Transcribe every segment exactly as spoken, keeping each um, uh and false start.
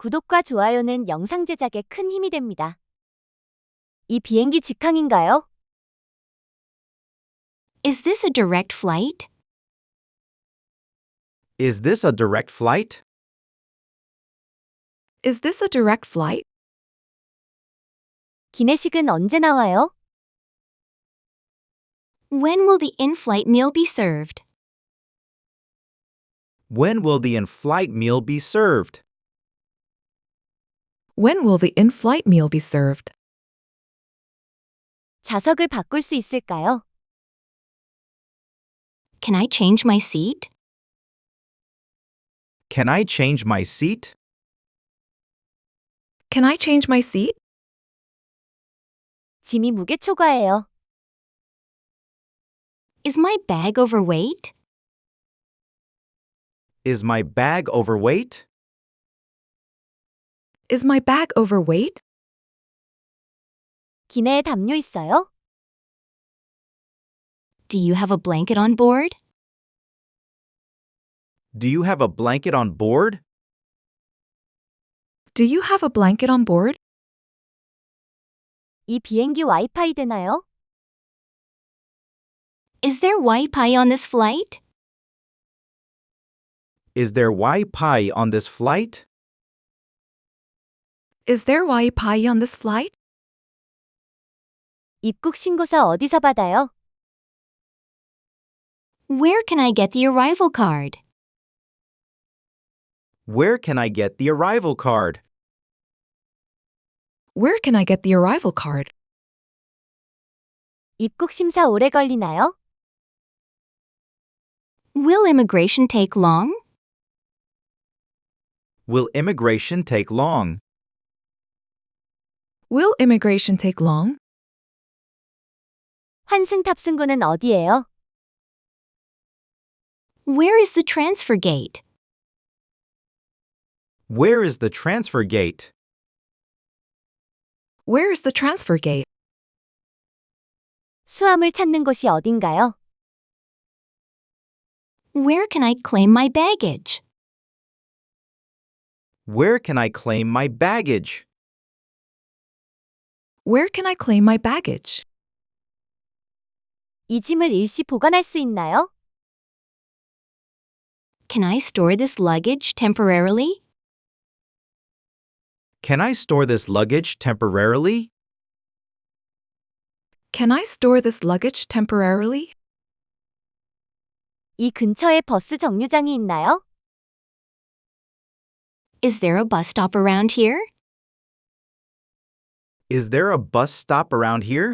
구독과 좋아요는 영상 제작에 큰 힘이 됩니다. 이 비행기 직항인가요? Is this a direct flight? Is this a direct flight? Is this a direct flight? 기내식은 언제 나와요? When will the in-flight meal be served? When will the in-flight meal be served? When will the in-flight meal be served? 좌석을 바꿀 수 있을까요? Can I change my seat? Can I change my seat? Can I change my seat? 짐이 무게 초과해요. Is my bag overweight? Is my bag overweight? Is my bag overweight? 기내에 담요 있어요? Do you have a blanket on board? Do you have a blanket on board? Do you have a blanket on board? 이 비행기 와이파이 되나요? Is there Wi-Fi on this flight? Is there Wi-Fi on this flight? Is there Wi-Fi on this flight? 입국 신고서 어디서 받아요? Where can I get the arrival card? Where can I get the arrival card? Where can I get the arrival card? 입국 심사 오래 걸리나요? Will immigration take long? Will immigration take long? Will immigration take long? 환승 탑승구는 어디예요? Where is the transfer gate? Where is the transfer gate? Where is the transfer gate? 수화물 찾는 곳이 어딘가요? Where can I claim my baggage? Where can I claim my baggage? Where can I claim my baggage? 이 짐을 일시 보관할 수 있나요? Can I store this luggage temporarily? Can I store this luggage temporarily? Can I store this luggage temporarily? 이 근처에 버스 정류장이 있나요? Is there a bus stop around here? Is there a bus stop around here?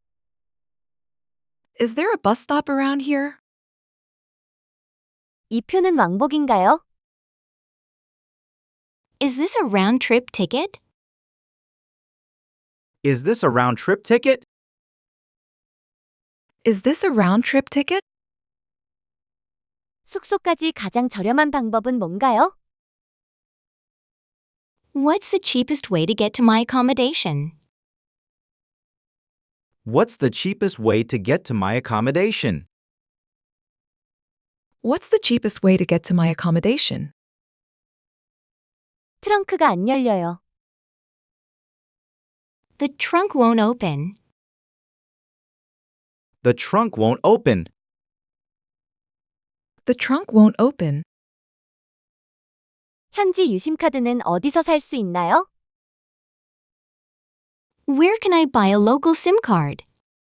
Is there a bus stop around here? 이 표는 왕복인가요? Is this a round-trip ticket? Is this a round-trip ticket? Is this a round-trip ticket? 숙소까지 가장 저렴한 방법은 뭔가요? What's the cheapest way to get to my accommodation? What's the cheapest way to get to my accommodation? What's the cheapest way to get to my accommodation? 트렁크가 안 열려요. The trunk won't open. The trunk won't open. The trunk won't open. 현지 유심카드는 어디서 살 수 있나요? Where can I buy a local SIM card?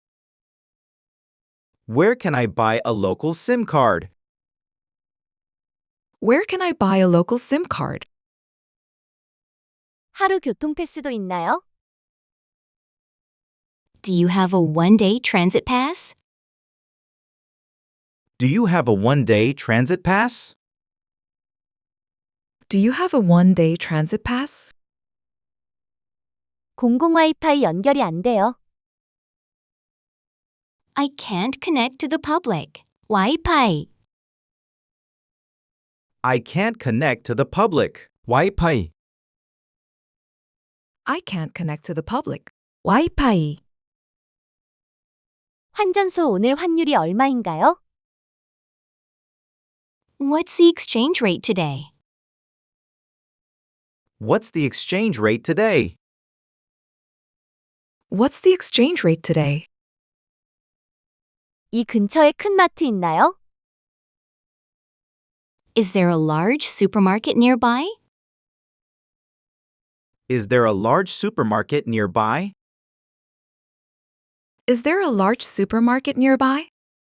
Where can I buy a local SIM card? Where can I buy a local SIM card? 하루 교통 패스도 있나요? Do you have a one-day transit pass? Do you have a one-day transit pass? Do you have a one-day transit pass? 공공 와이파이 연결이 안 돼요. I can't connect to the public. Wi-Fi. I can't connect to the public. Wi-Fi. I can't connect to the public. Wi-Fi. 환전소 오늘 환율이 얼마인가요? What's the exchange rate today? What's the exchange rate today? What's the exchange rate today? 이 근처에 큰 마트 있나요? Is there a large supermarket nearby? Is there a large supermarket nearby? Is there a large supermarket nearby?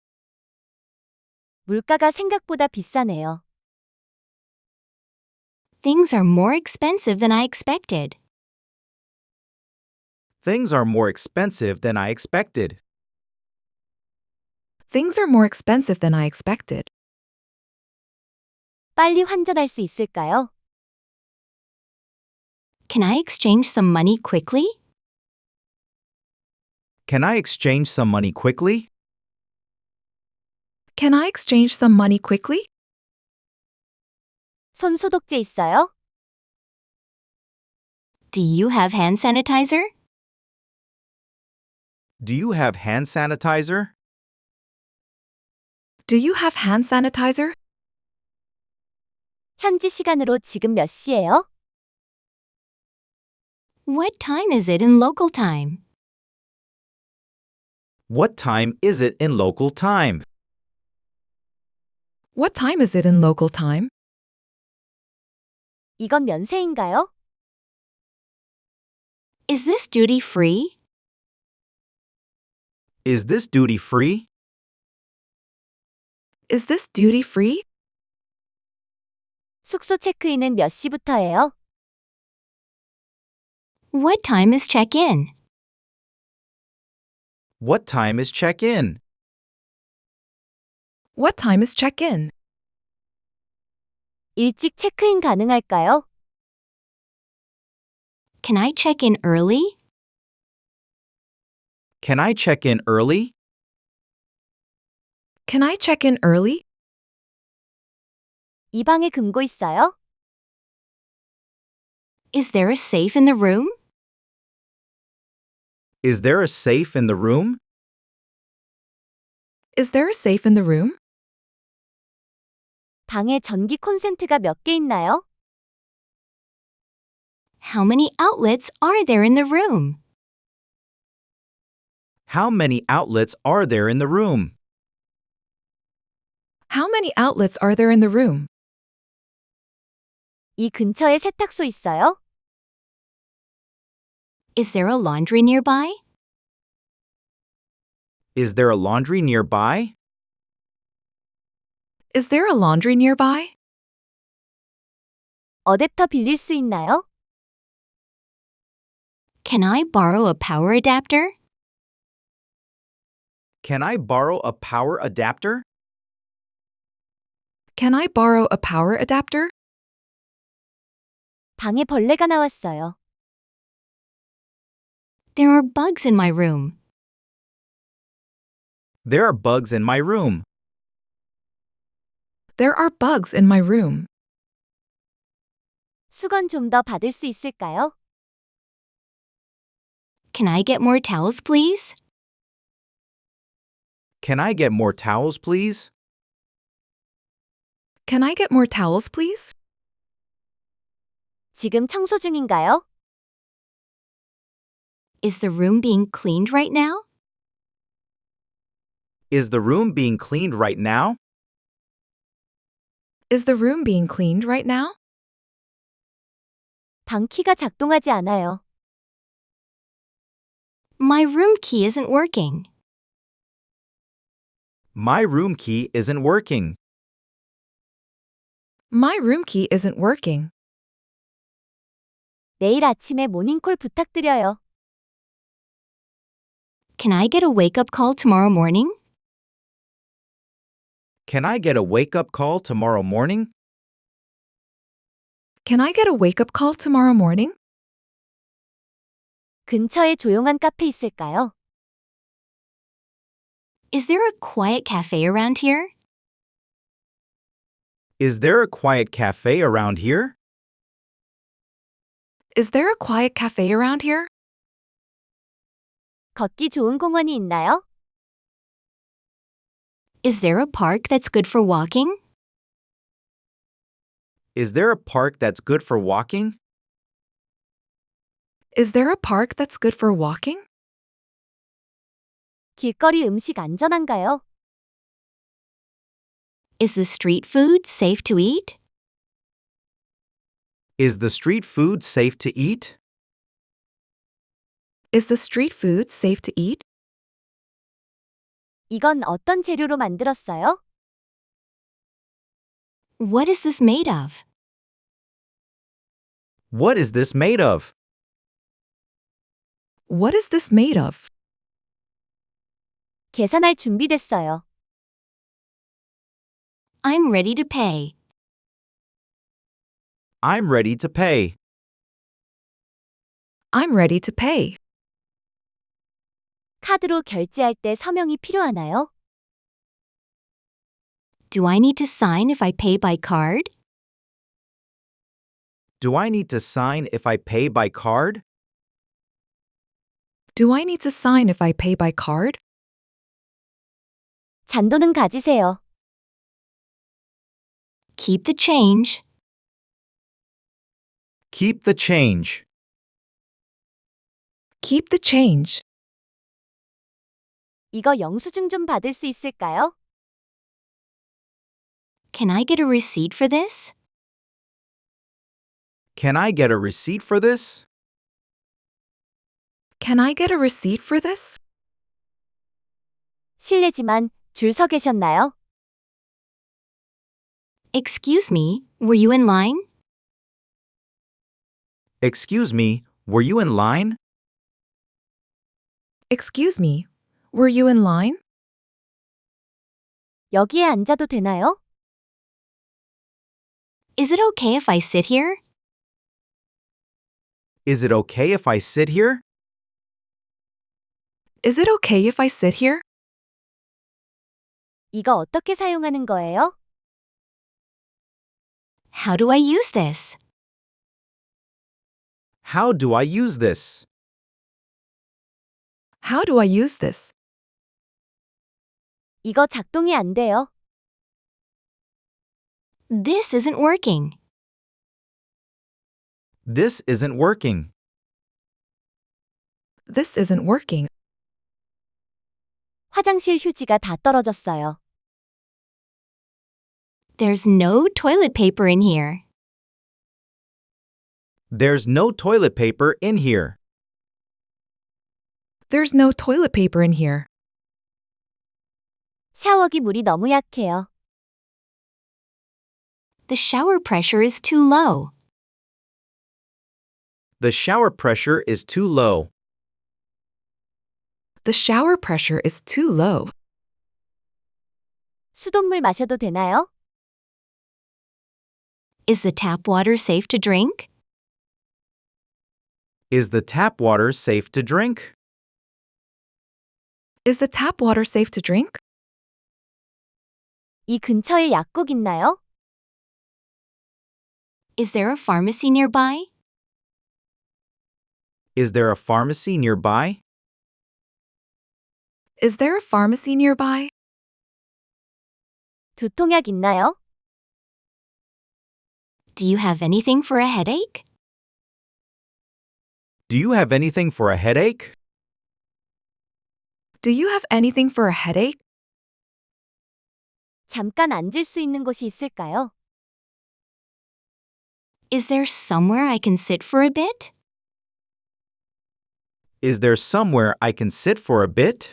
물가가 생각보다 비싸네요. Things are more expensive than I expected. Things are more expensive than I expected. Things are more expensive than I expected. 빨리 환전할 수 있을까요? Can I exchange some money quickly? Can I exchange some money quickly? Can I exchange some money quickly? 손 소독제 있어요? Do you have hand sanitizer? Do you have hand sanitizer? Do you have hand sanitizer? 현지 시간으로 지금 몇 시예요? What time is it in local time? What time is it in local time? What time is it in local time? 이건 면세인가요? Is this duty free? Is this duty free? Is this duty free? 숙소 체크인은 몇 시부터예요? What time is check-in? What time is check-in? What time is check-in? 일찍 체크인 가능할까요? Can I check in early? Can I check in early? Can I check in early? 이 방에 금고 있어요? Is there a safe in the room? Is there a safe in the room? Is there a safe in the room? 방에 전기 콘센트가 몇 개 있나요? How many outlets are there in the room? How many outlets are there in the room? How many outlets are there in the room? 이 근처에 세탁소 있어요? Is there a laundry nearby? Is there a laundry nearby? Is there a laundry nearby? 어댑터 빌릴 수 있나요? Can I borrow a power adapter? Can I borrow a power adapter? Can I borrow a power adapter? 방에 벌레가 나왔어요. There are bugs in my room. There are bugs in my room. There are bugs in my room. 수건 좀 더 받을 수 있을까요? Can I get more towels, please? Can I get more towels, please? Can I get more towels, please? 지금 청소 중인가요? Is the room being cleaned right now? Is the room being cleaned right now? Is the room being cleaned right now? 방 키가 작동하지 않아요. My room key isn't working. My room key isn't working. My room key isn't working. 내일 아침에 모닝콜 부탁드려요. Can I get a wake-up call tomorrow morning? Can I get a wake-up call tomorrow morning? Can I get a wake-up call tomorrow morning? 근처에 조용한 카페 있을까요? Is there a quiet cafe around here? Is there a quiet cafe around here? Is there a quiet cafe around here? 걷기 좋은 공원이 있나요? Is there a park that's good for walking? Is there a park that's good for walking? Is there a park that's good for walking? 길거리 음식 안전한가요? Is the street food safe to eat? Is the street food safe to eat? Is the street food safe to eat? 이건 어떤 재료로 만들었어요? What is this made of? What is this made of? What is this made of? 계산할 준비됐어요. I'm ready to pay. I'm ready to pay. I'm ready to pay. 카드로 결제할 때 서명이 필요하나요? Do I need to sign if I pay by card? Do I need to sign if I pay by card? Do I need to sign if I pay by card? 잔돈은 가지세요. Keep the change. Keep the change. Keep the change. 이거 영수증 좀 받을 수 있을까요? Can I get a receipt for this? Can I get a receipt for this? Can I get a receipt for this? 실례지만 줄 서 계셨나요? Excuse me, were you in line? Excuse me, were you in line? Excuse me, were you in line? 여기에 앉아도 되나요? Is it okay if I sit here? Is it okay if I sit here? Is it okay if I sit here? 이거 어떻게 사용하는 거예요? How do I use this? How do I use this? How do I use this? 이거 작동이 안 돼요. This isn't working. This isn't working. This isn't working. 화장실 휴지가 다 떨어졌어요. There's no toilet paper in here. There's no toilet paper in here. There's no toilet paper in here. 샤워기 물이 너무 약해요. The shower pressure is too low. The shower pressure is too low. The shower pressure is too low. 수돗물 마셔도 되나요? Is the tap water safe to drink? Is the tap water safe to drink? Is the tap water safe to drink? 이 근처에 약국 있나요? Is there a pharmacy nearby? Is there a pharmacy nearby? Is there a pharmacy nearby? 두통약 있나요? Do you have anything for a headache? Do you have anything for a headache? Do you have anything for a headache? 잠깐 앉을 수 있는 곳이 있을까요? Is there somewhere I can sit for a bit? Is there somewhere I can sit for a bit?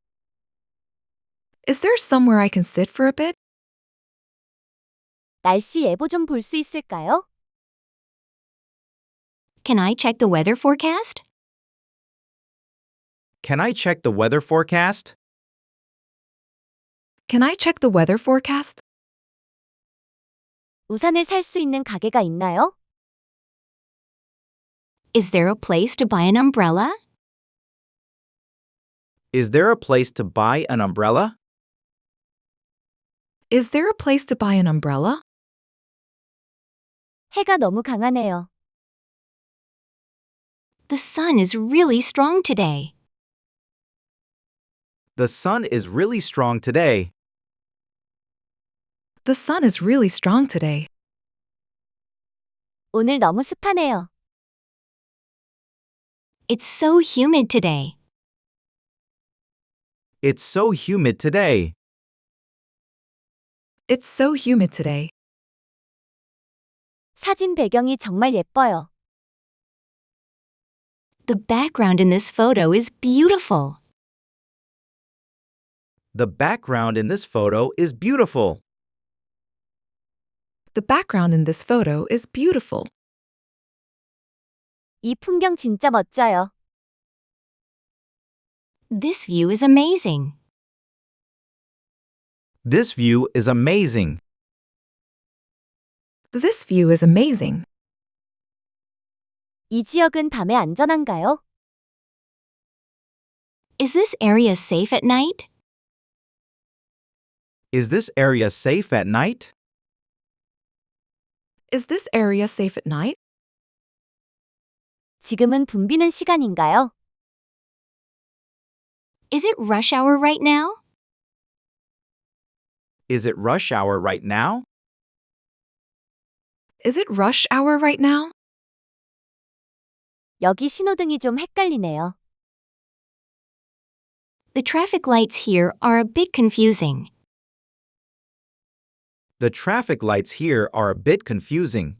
Is there somewhere I can sit for a bit? 날씨 예보 좀 볼 수 있을까요? Can I check the weather forecast? Can I check the weather forecast? Can I check the weather forecast? 우산을 살 수 있는 가게가 있나요? Is there a place to buy an umbrella? Is there a place to buy an umbrella? Is there a place to buy an umbrella? 해가 너무 강하네요. The sun is really strong today. The sun is really strong today. The sun is really strong today. 오늘 너무 습하네요. It's so humid today. It's so humid today. It's so humid today. 사진 배경이 정말 예뻐요. The background in this photo is beautiful. The background in this photo is beautiful. The background in this photo is beautiful. 이 풍경 진짜 멋져요. This view is amazing. This view is amazing. This view is amazing. 이 지역은 밤에 안전한가요? Is this area safe at night? Is this area safe at night? Is this area safe at night? 지금은 붐비는 시간인가요? Is it rush hour right now? Is it rush hour right now? Is it rush hour right now? 여기 신호등이 좀 헷갈리네요. The traffic lights here are a bit confusing. The traffic lights here are a bit confusing.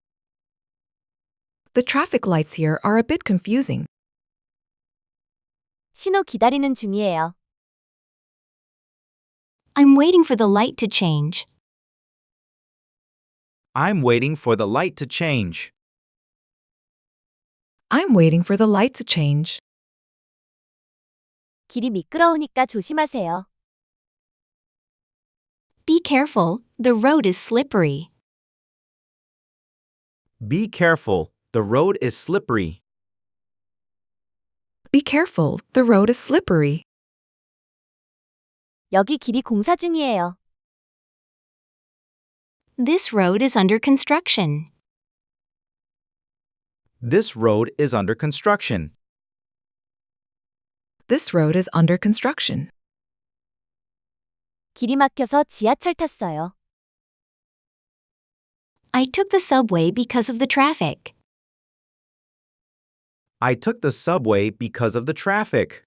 The traffic lights here are a bit confusing. 신호 기다리는 중이에요. I'm waiting for the light to change. I'm waiting for the light to change. I'm waiting for the light to change. 길이 미끄러우니까 조심하세요. Be careful, the road is slippery. Be careful, the road is slippery. Be careful, the road is slippery. 여기 길이 공사 중이에요. This road is under construction. This road is under construction. This road is under construction. 길이 막혀서 지하철 탔어요. I took the subway because of the traffic. I took the subway because of the traffic.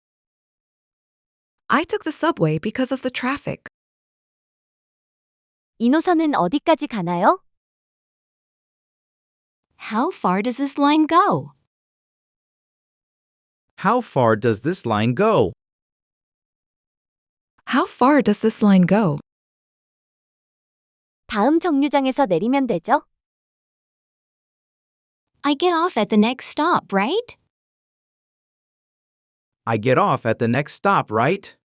I took the subway because of the traffic. 이 노선은 어디까지 가나요? How far does this line go? How far does this line go? How far does this line go? 다음 정류장에서 내리면 되죠? I get off at the next stop, right? I get off at the next stop, right?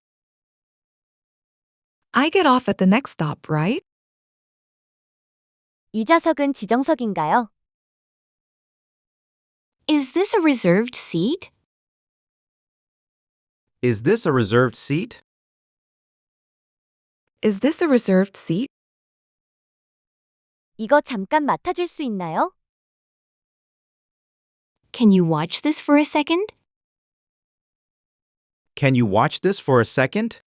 I get off at the next stop, right? 이 좌석은 지정석인가요? Is this a reserved seat? Is this a reserved seat? Is this a reserved seat? 이거 잠깐 맡아줄 수 있나요? Can you watch this for a second? Can you watch this for a second?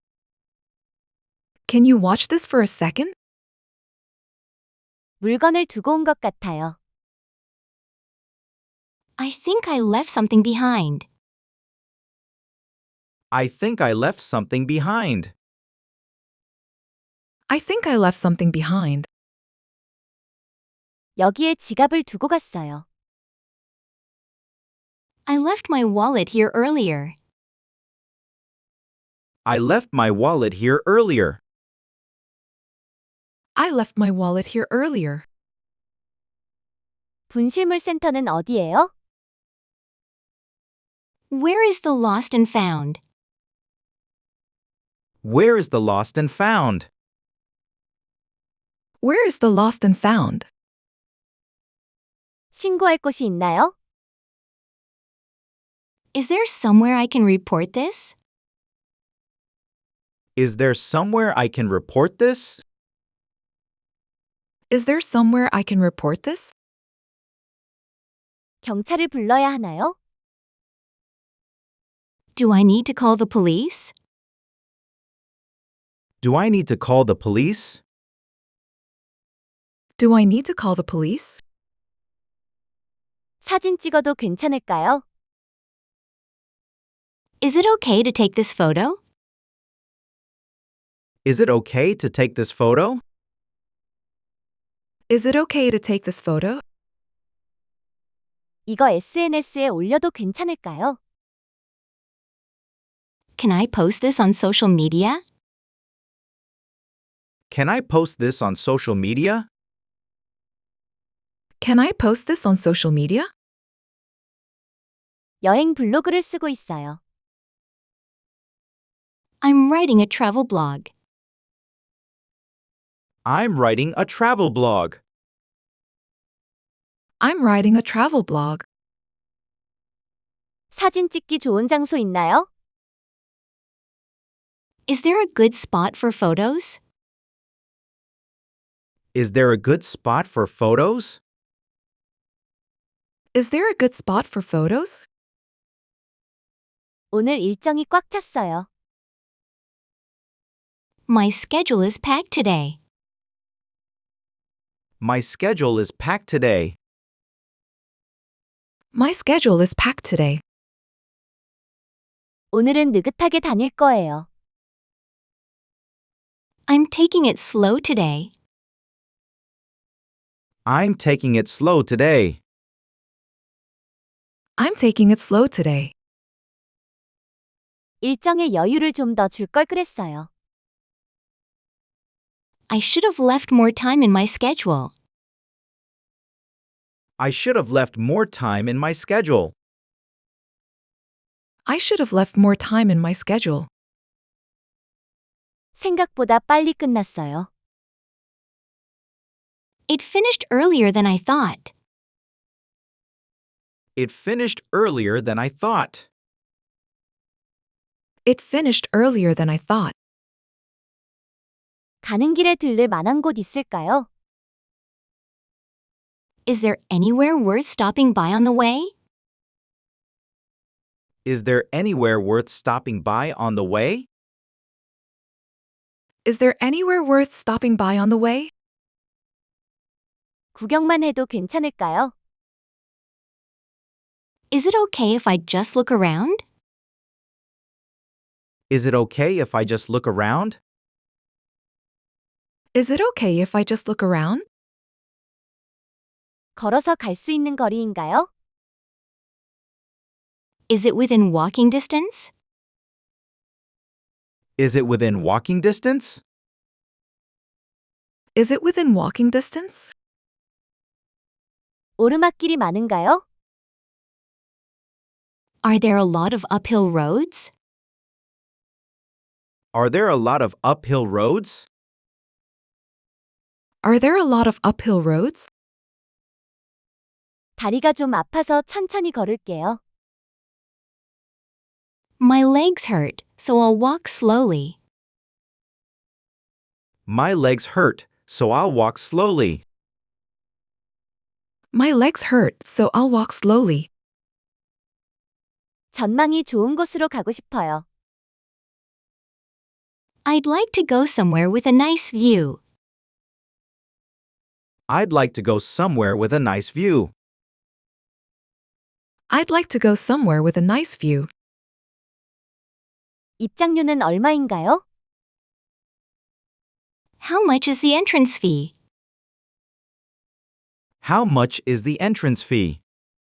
Can you watch this for a second? 물건을 두고 온 것 같아요. I think I left something behind. I think I left something behind. I think I left something behind. 여기에 지갑을 두고 갔어요. I left my wallet here earlier. I left my wallet here earlier. I left my wallet here earlier. 분실물 센터는 어디예요? Where is the lost and found? Where is the lost and found? Where is the lost and found? 신고할 곳이 있나요? Is there somewhere I can report this? Is there somewhere I can report this? Is there somewhere I can report this? 경찰을 불러야 하나요? Do I need to call the police? Do I need to call the police? Do I need to call the police? 사진 찍어도 괜찮을까요? Is it okay to take this photo? Is it okay to take this photo? Is it okay to take this photo? 이거 에스엔에스에 올려도 괜찮을까요? Can I post this on social media? Can I post this on social media? Can I post this on social media? 여행 블로그를 쓰고 있어요. I'm writing a travel blog. I'm writing a travel blog. I'm writing a travel blog. 사진 찍기 좋은 장소 있나요? Is there a good spot for photos? Is there a good spot for photos? Is there a good spot for photos? 오늘 일정이 꽉 찼어요. My schedule is packed today. My schedule is packed today. My schedule is packed today. 오늘은 느긋하게 다닐 거예요. I'm taking it slow today. I'm taking it slow today. I'm taking it slow today. 일정에 여유를 좀 더 줄 걸 그랬어요. I should have left more time in my schedule. I should have left more time in my schedule. I should have left more time in my schedule. 생각보다 빨리 끝났어요. It finished earlier than I thought. It finished earlier than I thought. It finished earlier than I thought. 가는 길에 들를 만한 곳 있을까요? Is there anywhere worth stopping by on the way? Is there anywhere worth stopping by on the way? Is there anywhere worth stopping by on the way? 구경만 해도 괜찮을까요? Is it okay if I just look around? Is it okay if I just look around? Is it okay if I just look around? 걸어서 갈 수 있는 거리인가요? Is it within walking distance? Is it within walking distance? Is it within walking distance? 오르막길이 많은가요? Are there a lot of uphill roads? Are there a lot of uphill roads? Are there a lot of uphill roads? 다리가 좀 아파서 천천히 걸을게요. My legs hurt, so I'll walk slowly. My legs hurt, so I'll walk slowly. My legs hurt, so I'll walk slowly. 전망이 좋은 곳으로 가고 싶어요. I'd like to go somewhere with a nice view. I'd like to go somewhere with a nice view. I'd like to go somewhere with a nice view. 입장료는 얼마인가요? How much is the entrance fee? How much is the entrance fee?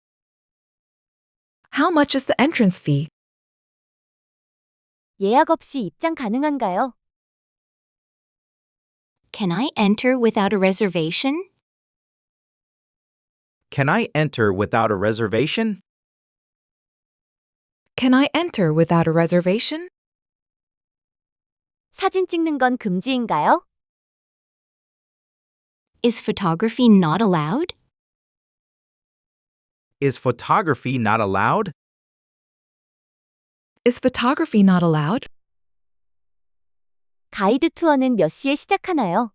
How much is the entrance fee? 예약 없이 입장 가능한가요? Can I enter without a reservation? Can I enter without a reservation? Can I enter without a reservation? 사진 찍는 건 금지인가요? Is photography not allowed? Is photography not allowed? Is photography not allowed? 가이드 투어는 몇 시에 시작하나요?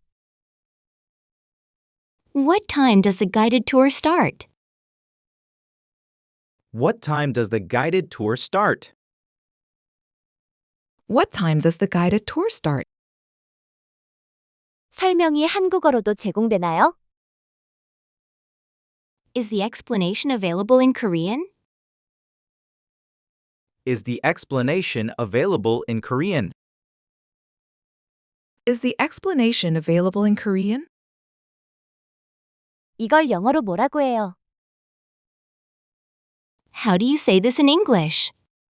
What time does the guided tour start? What time does the guided tour start? What time does the guided tour start? 설명이 한국어로도 제공되나요? Is the explanation available in Korean? Is the explanation available in Korean? Is the explanation available in Korean? 이걸 영어로 뭐라고 해요? How do you say this in English?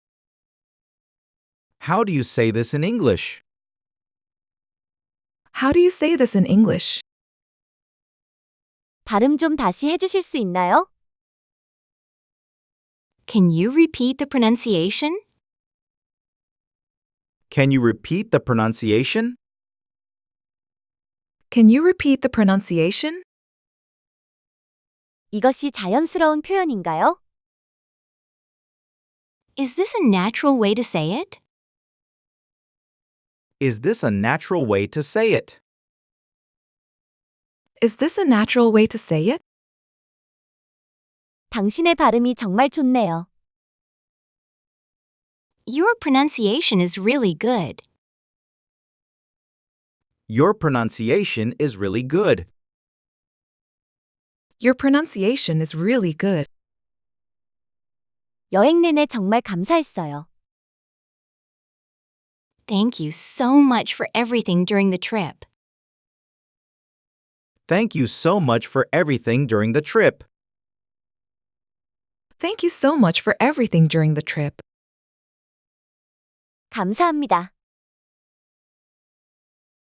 How do you say this in English? How do you say this in English? 발음 좀 다시 해주실 수 있나요? Can you repeat the pronunciation? Can you repeat the pronunciation? Can you repeat the pronunciation? 이것이 자연스러운 표현인가요? Is this a natural way to say it? Is this a natural way to say it? Is this a natural way to say it? 당신의 발음이 정말 좋네요. Your pronunciation is really good. Your pronunciation is really good. Your pronunciation is really good. 여행 내내 정말 감사했어요. Thank you so much for everything during the trip. Thank you so much for everything during the trip. Thank you so much for everything during the trip. 감사합니다.